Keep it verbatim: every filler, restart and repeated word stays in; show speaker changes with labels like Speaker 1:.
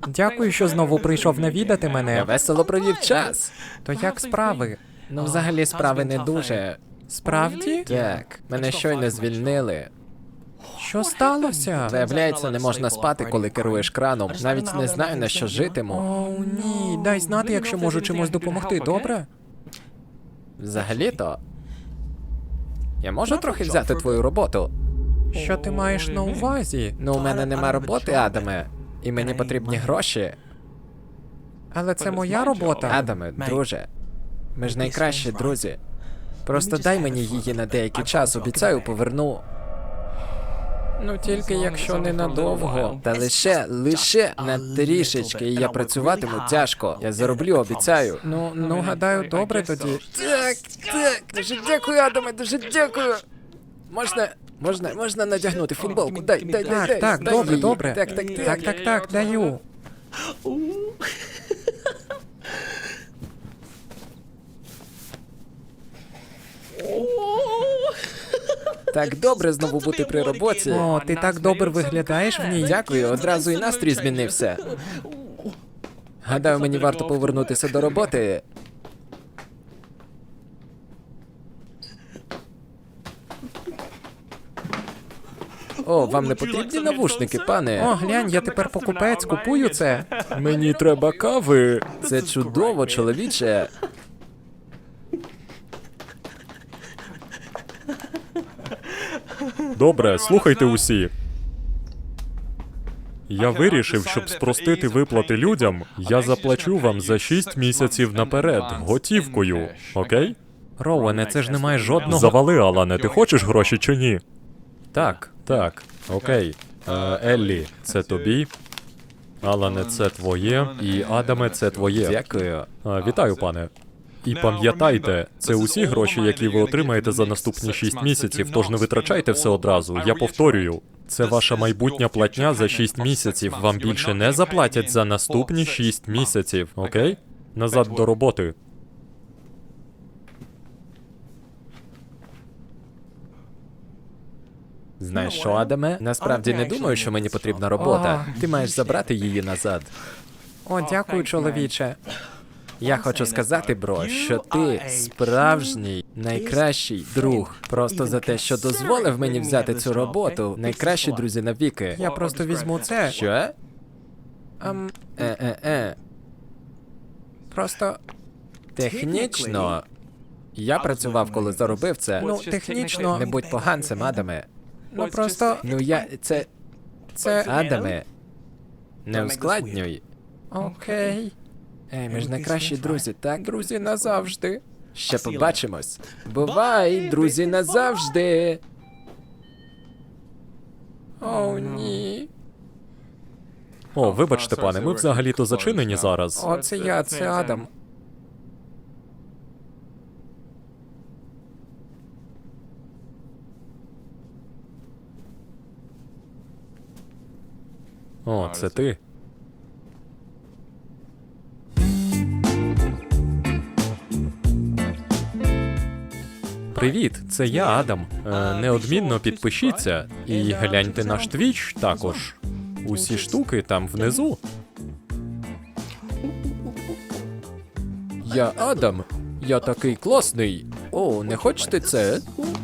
Speaker 1: Дякую, що знову прийшов навідати
Speaker 2: Я
Speaker 1: мене.
Speaker 2: весело провів час.
Speaker 1: То як справи?
Speaker 2: Ну, взагалі, справи не дуже.
Speaker 1: Справді?
Speaker 2: Так, мене щойно звільнили.
Speaker 1: Що сталося?
Speaker 2: Виявляється, не можна спати, коли керуєш краном. Навіть не знаю, на що житиму.
Speaker 1: О, ні. Дай знати, якщо можу чимось допомогти, добре?
Speaker 2: Взагалі-то. Я можу трохи взяти твою роботу?
Speaker 1: Що ти маєш на увазі?
Speaker 2: Ну, у мене нема роботи, Адаме. І мені потрібні гроші.
Speaker 1: Але це моя робота.
Speaker 2: Адаме, друже. Ми ж найкращі друзі. Просто дай мені її на деякий час, обіцяю, поверну.
Speaker 1: Ну тільки якщо ненадовго.
Speaker 2: Та лише, лише на трішечки, і я працюватиму тяжко. Я зароблю, обіцяю.
Speaker 1: Ну, ну, гадаю, добре тоді.
Speaker 2: Так, так, дуже дякую, Адаме, дуже дякую. Можна, можна, можна надягнути футболку, дай, дай, дай,
Speaker 1: Так,
Speaker 2: дай,
Speaker 1: так,
Speaker 2: дай
Speaker 1: добре,
Speaker 2: її.
Speaker 1: добре.
Speaker 2: Так, так, так.
Speaker 1: Так, так, так, даю.
Speaker 2: Так добре знову бути при роботі.
Speaker 1: О, ти так добре виглядаєш в ній.
Speaker 2: Дякую, одразу і настрій змінився. Гадаю, мені варто повернутися до роботи. О, вам не потрібні навушники, пане?
Speaker 1: О, глянь, я тепер покупець, купую це.
Speaker 2: Мені треба кави. Це чудово, чоловіче.
Speaker 3: Добре, слухайте усі. Я вирішив, щоб спростити виплати людям, я заплачу вам за шість місяців наперед, готівкою, окей?
Speaker 1: Роуене, це ж немає жодного...
Speaker 3: Завали, Алане, ти хочеш гроші чи ні?
Speaker 1: Так.
Speaker 3: Так, окей. Е, Еллі, це тобі. Алане, це твоє. І Адаме, це твоє.
Speaker 2: Дякую.
Speaker 3: Е, Вітаю, пане. І пам'ятайте, це усі гроші, які ви отримаєте за наступні шість місяців, тож не витрачайте все одразу. Я повторюю, це ваша майбутня платня за шість місяців. Вам більше не заплатять за наступні шість місяців, окей? Назад до роботи.
Speaker 2: Знаєш що, Адаме? Насправді не думаю, що мені потрібна робота. Ти маєш забрати її назад.
Speaker 1: О, дякую, чоловіче.
Speaker 2: Я хочу сказати, бро, що ти справжній найкращий друг. Просто за те, що дозволив мені взяти цю роботу. Найкращі друзі навіки.
Speaker 1: Я просто візьму це.
Speaker 2: Що?
Speaker 1: Ем,
Speaker 2: Е-е-е.
Speaker 1: просто...
Speaker 2: Технічно. Я працював, коли заробив це.
Speaker 1: Ну, технічно...
Speaker 2: Не будь поганцем, Адаме.
Speaker 1: Ну, просто...
Speaker 2: Ну я. Це.
Speaker 1: Це...
Speaker 2: Адаме. Не ускладнюй.
Speaker 1: Окей.
Speaker 2: Ей, ми ж найкращі друзі, так?
Speaker 1: Друзі, назавжди.
Speaker 2: Ще побачимось. Бувай, друзі, назавжди.
Speaker 1: О, ні.
Speaker 3: О, вибачте, пане, ми взагалі-то зачинені зараз.
Speaker 1: О, це я, це Адам.
Speaker 3: О, це ти. Привіт, це я, Адам. Е, неодмінно підпишіться і гляньте наш твіч також. Усі штуки там внизу.
Speaker 2: Я Адам. Я такий класний. О, не хочете це?